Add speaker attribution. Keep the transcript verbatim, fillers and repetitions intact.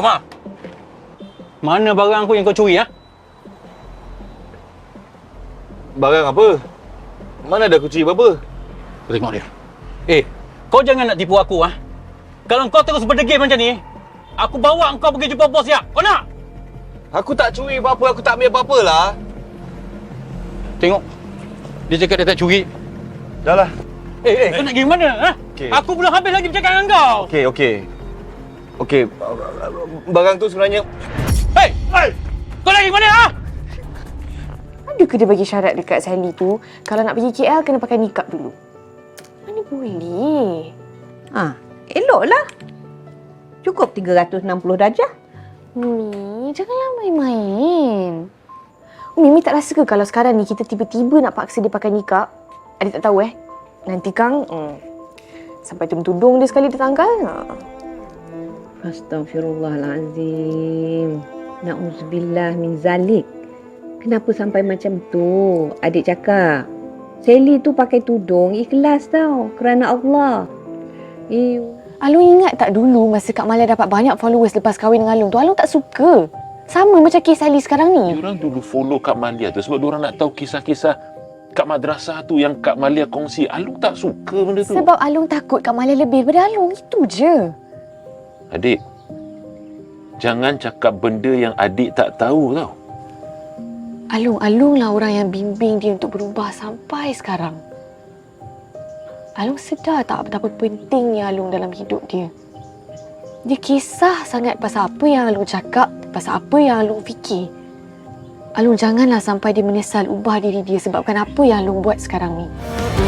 Speaker 1: Omar. Mana barang aku yang kau curi, ha?
Speaker 2: Barang apa? Mana ada aku curi apa-apa?
Speaker 1: Tengok dia. Eh, kau jangan nak tipu aku, ha? Kalau kau terus berdegil macam ni, aku bawa kau pergi jumpa bos dia. Kau nak?
Speaker 2: Aku tak curi apa-apa, aku tak ambil apa-apa lah.
Speaker 1: Tengok. Dia cakap dia tak curi.
Speaker 2: Dah lah.
Speaker 1: Eh, eh, kau nak pergi mana, ha?
Speaker 2: Okay.
Speaker 1: Aku belum habis lagi bercakap dengan kau.
Speaker 2: Okey, okey. Okey, barang tu sebenarnya...
Speaker 1: Hei! Hei! Kau nak pergi mana, ha?
Speaker 3: Ada ke dia bagi syarat dekat Sally tu, kalau nak pergi K L kena pakai nikab dulu? Mana boleh?
Speaker 4: Ha, eloklah. Cukup tiga ratus enam puluh darjah.
Speaker 3: Umi, janganlah main-main. Umi, Umi tak rasa ke kalau sekarang ni kita tiba-tiba nak paksa dia pakai nikab? Adik tak tahu eh. Nanti Kang, hmm, sampai jam tudung dia sekali tertanggal. Ha.
Speaker 4: Astaghfirullahalazim. Na'udzubillah min zalik. Kenapa sampai macam tu? Adik cakap, Sally tu pakai tudung ikhlas tau. Kerana Allah. Eh,
Speaker 3: Alung ingat tak dulu masa Kak Malia dapat banyak followers lepas kahwin dengan Alung tu, Alung tak suka. Sama macam kes Sally sekarang ni.
Speaker 5: Diorang dulu follow Kak Malia tu sebab diorang nak tahu kisah-kisah kat madrasah tu yang Kak Malia kongsi. Alung tak suka benda tu.
Speaker 3: Sebab Alung takut Kak Malia lebih daripada Alung. Itu je.
Speaker 5: Adik, jangan cakap benda yang adik tak tahu tau.
Speaker 3: Alung, Alung lah orang yang bimbing dia untuk berubah sampai sekarang. Alung sedar tak betapa pentingnya Alung dalam hidup dia. Dia kisah sangat pasal apa yang Alung cakap, pasal apa yang Alung fikir. Alung janganlah sampai dia menyesal ubah diri dia sebabkan apa yang Alung buat sekarang ni.